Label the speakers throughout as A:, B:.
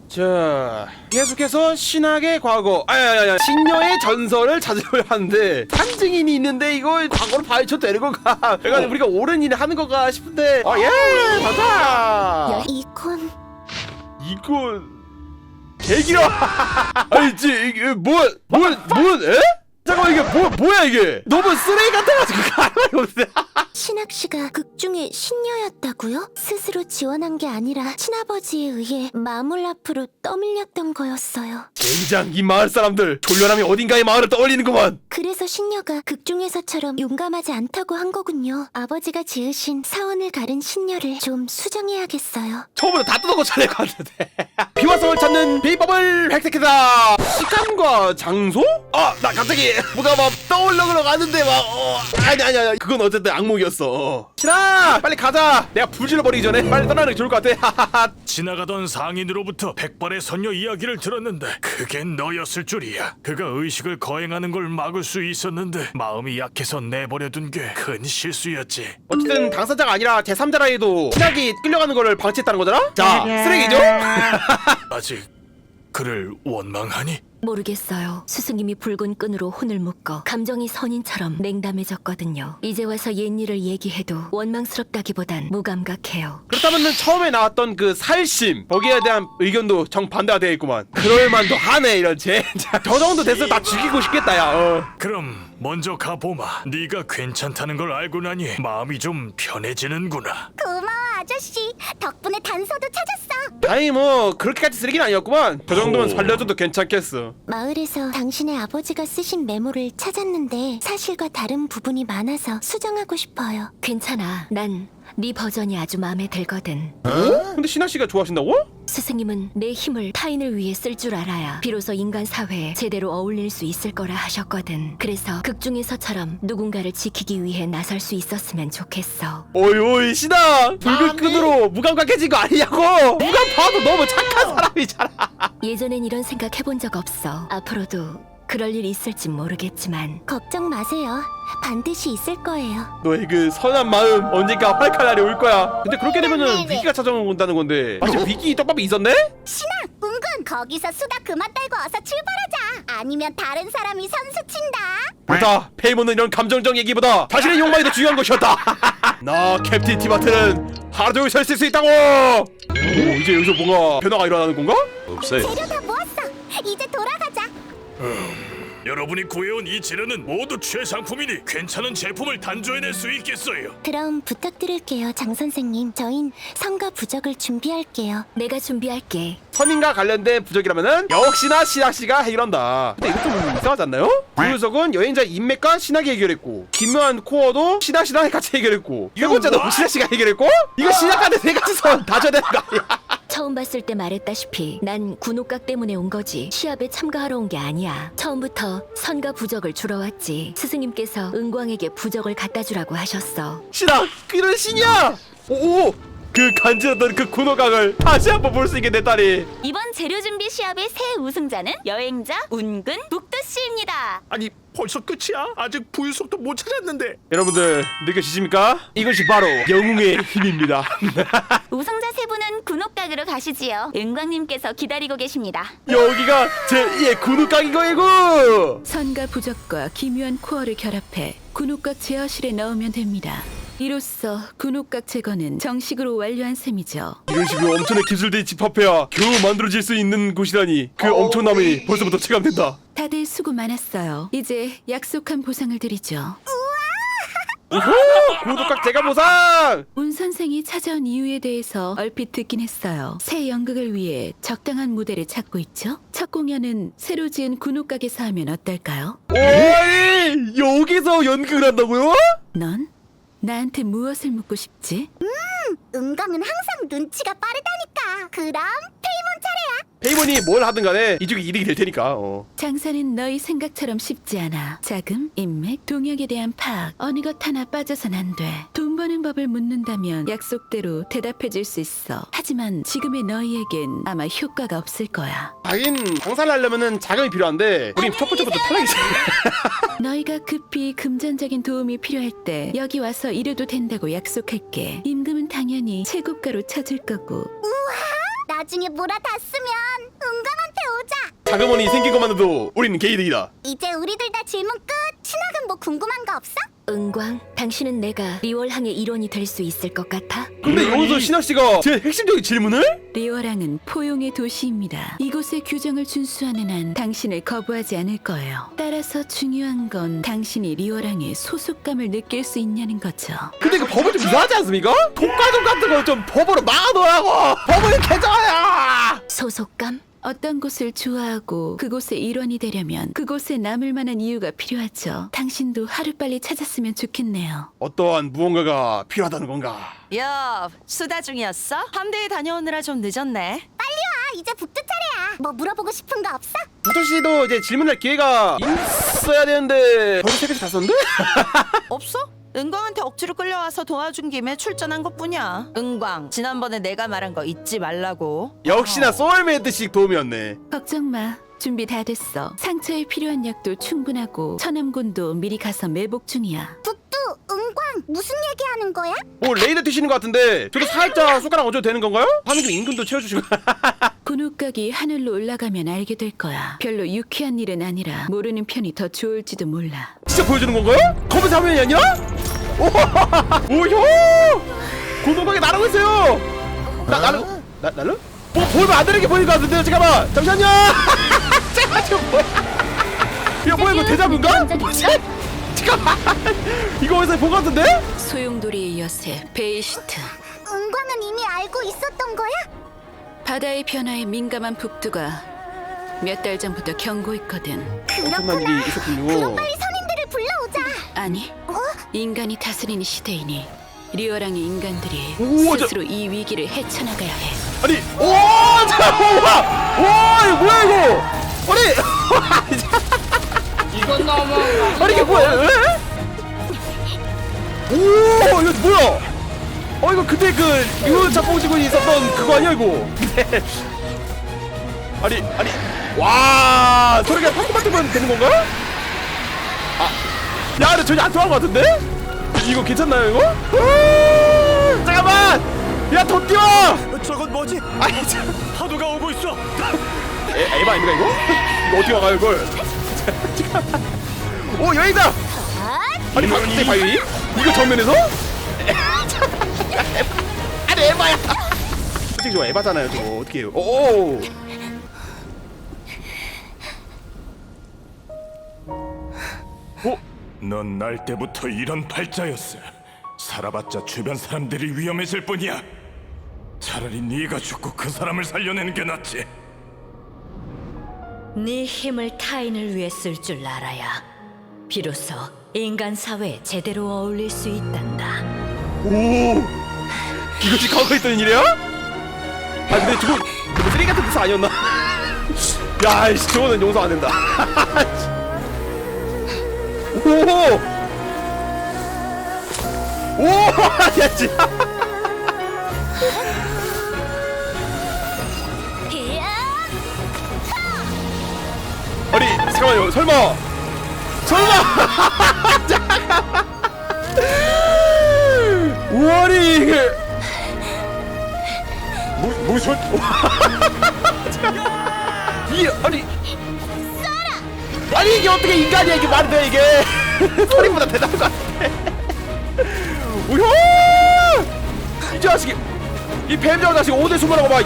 A: 자, 계속해서 신학의 과거, 신녀의 전설을 찾으려 하는데 산증인이 있는데 이거 과거로 파헤쳐도 되는 건가? 그래가지고 우리가 옳은 일을 하는 건가 싶은데, 가자.
B: 이건
A: 개기라. 아니 이게 에? 잠깐만 이게 뭐야 이게? 너무 쓰레기 같아가지고 가만히 없네.
B: 신학 씨가 극 중에 신녀였다고요? 스스로 지원한 게 아니라 친아버지에 의해 마물 앞으로 떠밀렸던 거였어요.
A: 젠장 이 마을 사람들 졸려남이 어딘가의 마을을 떠올리는구만.
B: 그래서 신녀가 극 중에서처럼 용감하지 않다고 한 거군요. 아버지가 지으신 사원을 가른 신녀를 좀 수정해야겠어요.
A: 처음부터 다 뜯어고쳐야 될 것 같은데. 비화성을 찾는 비법을 획득했다. 시간과 장소? 나 갑자기 뭐가 막 떠올려 가는데 막 아니야 그건 어쨌든 악몽이었어. 신아 빨리 가자. 내가 불질러 버리기 전에 빨리 떠나는 게 좋을 것 같아.
C: 지나가던 상인으로부터 백발의 선녀 이야기를 들었는데 그게 너였을 줄이야. 그가 의식을 거행하는 걸 막을 수 있었는데 마음이 약해서 내버려둔 게 큰 실수였지.
A: 어쨌든 당사자가 아니라 제3자라 해도 신학이 끌려가는 거를 방치했다는 거잖아? 자 쓰레기죠?
C: 아직 그를 원망하니?
D: 모르겠어요. 스승님이 붉은 끈으로 혼을 묶어 감정이 선인처럼 냉담해졌거든요. 이제 와서 옛일을 얘기해도 원망스럽다기보단 무감각해요.
A: 그렇다면 처음에 나왔던 그 살심 거기에 대한 의견도 정반대가 되어 있구만. 그럴만도 하네 이런 젠장. 저 정도 됐으면 다 죽이고 싶겠다 야.
C: 그럼 먼저 가보마. 네가 괜찮다는 걸 알고 나니 마음이 좀 편해지는구나.
B: 고마워 아저씨. 덕분에 단서도 찾았어.
A: 아니 뭐 그렇게까지 쓰레기는 아니었구만. 저 정도면 살려줘도 괜찮겠어.
B: 마을에서 당신의 아버지가 쓰신 메모를 찾았는데 사실과 다른 부분이 많아서 수정하고 싶어요.
D: 괜찮아. 난 네 버전이 아주 마음에 들거든.
A: 근데 신하씨가 좋아하신다고?
D: 스승님은 내 힘을 타인을 위해 쓸 줄 알아야 비로소 인간 사회에 제대로 어울릴 수 있을 거라 하셨거든. 그래서 극 중에서처럼 누군가를 지키기 위해 나설 수 있었으면 좋겠어.
A: 오이 신하 붉은 끈으로 무감각해진 거 아니냐고. 누가 봐도 너무 착한 사람이잖아.
D: 예전엔 이런 생각 해본 적 없어. 앞으로도 그럴 일 있을진 모르겠지만
B: 걱정 마세요. 반드시 있을 거예요.
A: 너의 그 선한 마음 언젠가 활칼 날이 올 거야. 근데 그렇게 되면은 위기가 찾아온다는 건데 마치 위기 떡밥이 있었네?
B: 은근 거기서 수다 그만 떨고 어서 출발하자. 아니면 다른 사람이 선수 친다.
A: 그렇다. 페이몬은 이런 감정적 얘기보다 자신의 욕망이 더 중요한 것이었다. 나 캡틴 티마트는 하루 종일 서 있을 수 있다고. 오 이제 여기서 뭔가 변화가 일어나는 건가? 없어요.
B: 재료 다 모았어. 이제 돌아가자.
C: 여러분이 구해온 이 재료는 모두 최상품이니 괜찮은 제품을 단조해낼 수 있겠어요.
B: 그럼 부탁드릴게요, 장 선생님. 저흰 성과 부적을 준비할게요.
D: 내가 준비할게.
A: 선인과 관련된 부적이라면은 역시나 신학씨가 해결한다. 근데 이거 좀 이상하지 않나요? 부유석은 여행자 인맥과 신학이 해결했고 기묘한 코어도 신학씨랑 같이 해결했고 이거 번째도 신학씨가 해결했고 이거 신학한테 세 가지 선 다 줘야 되는 거 아니야?
D: 처음 봤을 때 말했다시피 난 군옥각 때문에 온 거지 시합에 참가하러 온 게 아니야. 처음부터 선과 부적을 주러 왔지. 스승님께서 은광에게 부적을 갖다 주라고 하셨어.
A: 신학 그런 신이야. 오. 그 간지러던 그 군호각을 다시 한번 볼 수 있게 됐다니.
E: 이번 재료 준비 시합의 새 우승자는 여행자 운근 북두씨입니다.
C: 아니 벌써 끝이야? 아직 부유속도 못 찾았는데.
A: 여러분들 느껴지십니까? 이것이 바로 영웅의 힘입니다.
E: 우승자 세 분은 군옥각으로 가시지요. 은광님께서 기다리고 계십니다.
A: 여기가 제2의 군호각인 거이고.
F: 선과 부적과 기묘한 코어를 결합해 군옥각 제어실에 넣으면 됩니다. 이로써 군옥각 제거는 정식으로 완료한 셈이죠.
A: 이런 식으로 엄청난 기술들이 집합해야 겨우 만들어질 수 있는 곳이라니 그 엄청남이 벌써부터 체감된다.
F: 다들 수고 많았어요. 이제 약속한 보상을 드리죠.
A: 군호각 제가 보상.
F: 운 선생이 찾아온 이유에 대해서 얼핏 듣긴 했어요. 새 연극을 위해 적당한 무대를 찾고 있죠. 첫 공연은 새로 지은 군옥각에서 하면 어떨까요?
A: 오이 여기서 연극을 한다고요?
F: 넌 나한테 무엇을 묻고 싶지?
B: 은광은 항상 눈치가 빠르다니까. 그럼 페이몬 차례야.
A: 페이몬이 뭘 하든 간에 이쪽이 이득이 될 테니까.
F: 장사는 너희 생각처럼 쉽지 않아. 자금, 인맥, 동역에 대한 파악, 어느 것 하나 빠져선 안 돼. 돈 버는 법을 묻는다면 약속대로 대답해줄 수 있어. 하지만 지금의 너희에겐 아마 효과가 없을 거야.
A: 하긴 장사를 하려면은 자금이 필요한데 우린 첫 번째부터 탈락이지.
F: 너희가 급히 금전적인 도움이 필요할 때 여기 와서 이래도 된다고 약속할게. 임금은 당연히 최고가로 쳐줄 거고.
B: 나 나중에 몰아탔으면 은광한테 오자.
A: 자그머니 생긴 것만으로도 우리는 개이득이다.
B: 이제 우리들 다 질문 끝. 신학은 뭐 궁금한 거 없어?
D: 은광, 당신은 내가 리월항의 일원이 될 수 있을 것 같아?
A: 근데 여기서 신학씨가 제 핵심적인 질문을?
F: 리워랑은 포용의 도시입니다. 이곳의 규정을 준수하는 한 당신을 거부하지 않을 거예요. 따라서 중요한 건 당신이 리워랑의 소속감을 느낄 수 있냐는 거죠.
A: 근데 그 법은 좀 이상하지 않습니까? 독과점 같은 거 좀 법으로 막아놓으라고. 법을 개정해야.
D: 소속감?
F: 어떤 곳을 좋아하고 그곳의 일원이 되려면 그곳에 남을 만한 이유가 필요하죠. 당신도 하루빨리 찾았으면 좋겠네요.
A: 어떠한 무언가가 필요하다는 건가?
G: 야, 수다 중이었어? 함대에 다녀오느라 좀 늦었네.
B: 아, 이제 북두 차례야. 뭐 물어보고 싶은 거 없어?
A: 부터 씨도 이제 질문할 기회가 있어야 되는데 벌써 새벽에 다 썼는데?
G: 없어? 은광한테 억지로 끌려와서 도와준 김에 출전한 것뿐이야. 은광, 지난번에 내가 말한 거 잊지 말라고.
A: 역시나 소울메이트식 도움이었네.
F: 걱정 마. 준비 다 됐어. 상처에 필요한 약도 충분하고 천암곤도 미리 가서 매복 중이야.
B: 북두, 은광, 무슨 얘기하는 거야?
A: 뭐 레이더 튀시는 것 같은데 저도 살짝 숟가락 얹어도 되는 건가요? 하는 중 임금도 채워주시고.
F: 군옥각이 하늘로 올라가면 알게 될 거야. 별로 유쾌한 일은 아니라 모르는 편이 더 좋을지도 몰라.
A: 진짜 보여주는 건가요? 검은 사면이 아니라? 오효! 고동방에 날아오고 있어요. 날로? 뭐 보이면 안 되는 게 보이는 것 같은데요. 잠깐만. 잠시만요. 제가 지금 뭐야? 이거 뭐야 이거 대자뷰인가? 뭐지? 잠깐만. 이거 어디서 본 것 같은데?
F: 소용돌이의 여세 베이시트.
B: 은광은 이미 알고 있었던 거야?
F: 바다의 변화에 민감한 북두가 몇 달 전부터 경고했거든.
A: 엄청난 일이 있었군요.
B: 빨리 선인들을 불러오자.
F: 아니, 인간이 다스리는 시대이니 리어랑의 인간들이
A: 우와,
F: 스스로 이 위기를 헤쳐나가야 해.
A: 아니, 오, 잠깐만, 와, 이거 뭐야 이거? 아니,
H: 이건 너무
A: 아니 이게 뭐야? 에? 오, 이거 뭐야? 이거 그때 그 유은 작곡지군이 있었던 그거 아니야 이거? 아니, 와, 저렇게 파트만 되는 건가? 아, 야, 근데 전혀 안 통한 것 같은데? 이거 괜찮나요 이거? 잠깐만, 야, 더 뛰어!
C: 저건 뭐지?
A: 아니, 참.
C: 파도가 오고 있어.
A: 에바 아닙니까 이거? 이거 어떻게 막아요 이걸? 잠깐만. 오, 여기다! 아니 박대 바위? 이거 정면에서? 아니 에바야! 솔직히 저 에바잖아요 저거 어떻게 해요? 오!
C: 넌 날 때부터 이런 팔자였어. 살아봤자 주변 사람들이 위험해질 뿐이야. 차라리 네가 죽고 그 사람을 살려내는 게 낫지.
I: 네 힘을 타인을 위해 쓸 줄 알아야 비로소 인간 사회에 제대로 어울릴 수 있단다.
A: 오! 이것이 과거에 있던 일이야? 아 근데 저거 쓰레기 같은 뜻 아니었나? 야 이씨 저거는 용서 안 된다. 오! 오! 야 진짜. 아니 잠깐만요 설마 잠깐만 우월이 이게 무슨 이게 아니 이게 어떻게 인간이야 이게 말이 돼 이게 소리보다 대단한 것 같아. 오효 이 자식이 이 뱀장 자식 어디 숨으라고 봐.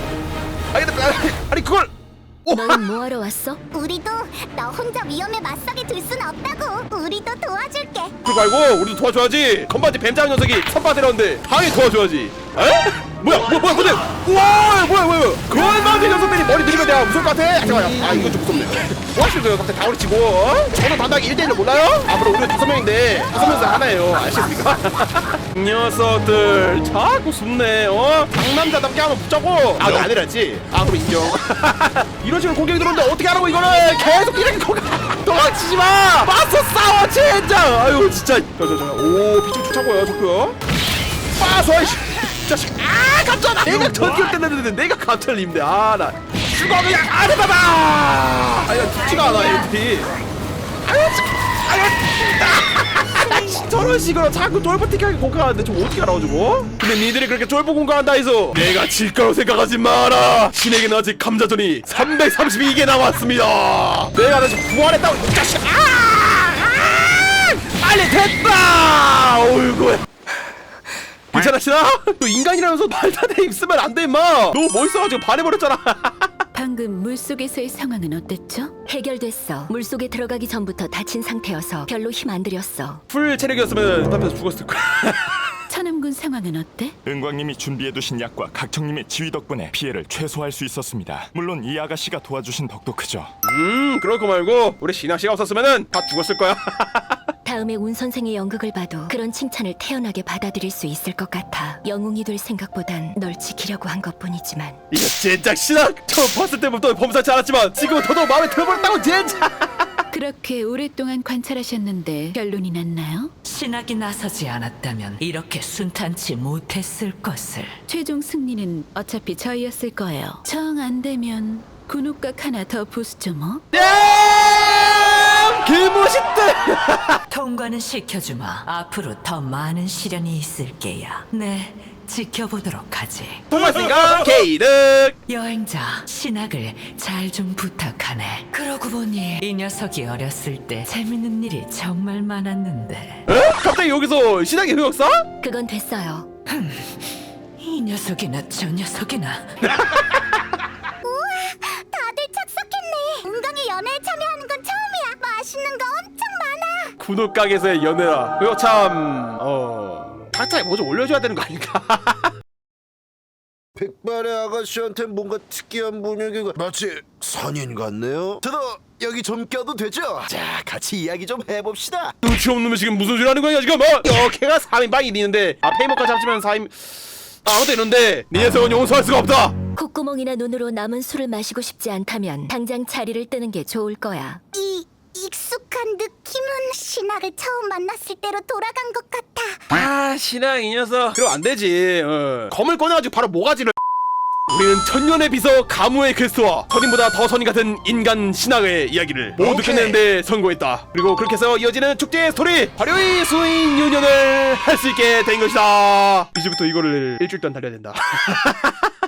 A: 아니 그걸
D: 너는 뭐하러 왔어?
B: 우리도 너 혼자 위험에 맞서게 둘 순 없다고. 우리도 도와줄게.
A: 그거 알고 우리도 도와줘야지. 건반지 뱀장 녀석이 선바 데려왔는데 당연히 도와줘야지. 에? 뭐야 우와 뭐야 건반지 녀석들이 머리 들이면 내가 무서울 것 같아. 잠깐만 이거 좀 무섭네. 뭐 하시는 거예요 갑자기 다우리 치고 저는 담당이 1대1을 몰라요? 앞으로 우리가 5명인데 5명에서 하나예요 아시겠습니까? 이 녀석들 자꾸 숨네 상남자답게 한번 붙자고 아 너 안 해놨지? 아 그럼 인정. 이런 식으로 공격이 들어오는데 어떻게 하라고 이거를 계속 이렇게 도망치지 마! 맞서 싸워 젠장! 아유 진짜 오 피좀 쫓아고요 좋고요. 빠서 이씨 자식 아 깜짝아 내가 전기를 뗐는데 내가 깜짝을 입는데 아나 죽어 그냥 아르바바 아야 죽지가 않아 이렇게 아유 저런 식으로 자꾸 쫄보틱하게 공격하는데 좀 어떻게 알아가지고? 근데 니들이 그렇게 쫄보 공격한다 해서 내가 질 거라고 생각하지 마라. 신에게는 아직 감자전이 332개 남았습니다. 내가 다시 부활했다고 이 자식. 빨리 됐다. 어이구야. 괜찮아 신아? 너 인간이라면서 말도 안 돼 입쓰면 안 돼 임마. 너무 멋있어가지고 반해버렸잖아.
F: 방금 물속에서의 상황은 어땠죠?
D: 해결됐어. 물속에 들어가기 전부터 다친 상태여서 별로 힘 안 들였어.
A: 풀 체력이었으면 답답해서 죽었을 거야.
F: 천암군 상황은 어때?
J: 은광님이 준비해두신 약과 각청님의 지휘 덕분에 피해를 최소화할 수 있었습니다. 물론 이 아가씨가 도와주신 덕도 크죠.
A: 그럴 거 말고 우리 신하씨가 없었으면은 다 죽었을 거야.
D: 다음에 운 선생의 연극을 봐도 그런 칭찬을 태연하게 받아들일 수 있을 것 같아. 영웅이 될 생각보단 널 지키려고 한 것뿐이지만.
A: 이거 진짜 신하 처음 봤을 때부터 범사치 않았지만 지금은 더더욱 마음에 들어버렸다고 진짜.
F: 그렇게 오랫동안 관찰하셨는데 결론이 났나요?
I: 신학이 나서지 않았다면 이렇게 순탄치 못했을 것을.
F: 최종 승리는 어차피 저희였을 거예요. 정 안 되면 군옥각 하나 더 부수죠 뭐.
A: 개멋있다.
I: 통과는 시켜주마. 앞으로 더 많은 시련이 있을 게야. 네, 지켜보도록 하지.
A: 통과했으니까 게이득.
I: 여행자, 신학을 잘 좀 부탁하네. 그러고 보니 이 녀석이 어렸을 때 재밌는 일이 정말 많았는데.
A: 에? 갑자기 여기서 신하의 흑역사?
D: 그건 됐어요.
I: 이 녀석이나 저 녀석이나.
B: 다들 착석했네. 은광이 연애에 참여하는 건 처음이야. 맛있는 거 엄청 많아.
A: 군옥각에서의 연애라. 이거 참 각자에 뭐 좀 올려줘야 되는 거 아닌가?
K: 백발의 아가씨한테 뭔가 특이한 분위기가 마치 선인 같네요. 저도 여기 좀 껴도 되죠? 자, 같이 이야기 좀 해봅시다.
A: 눈치 없는 놈이 지금 무슨 소리 하는 거야 지금? 걔가 3인방이 있는데 페이머까지 합치면 4인 아무도 있는데 네 녀석은 용서할 수가 없다.
D: 콧구멍이나 눈으로 남은 술을 마시고 싶지 않다면 당장 자리를 뜨는 게 좋을 거야.
B: 이 익숙한 느낌은 신학을 처음 만났을 때로 돌아간 것 같아.
A: 아 신하 이 녀석 그럼 안 되지. 검을 꺼내가지고 바로 모가지를. 우리는 천년의 비서 가무의 퀘스트와 선인보다 더 선인 같은 인간 신학의 이야기를 모두 끝내는데 성공했다. 그리고 그렇게 해서 이어지는 축제의 스토리 화려히 수인 유년을 할 수 있게 된 것이다. 이제부터 이거를 일주일 동안 달려야 된다.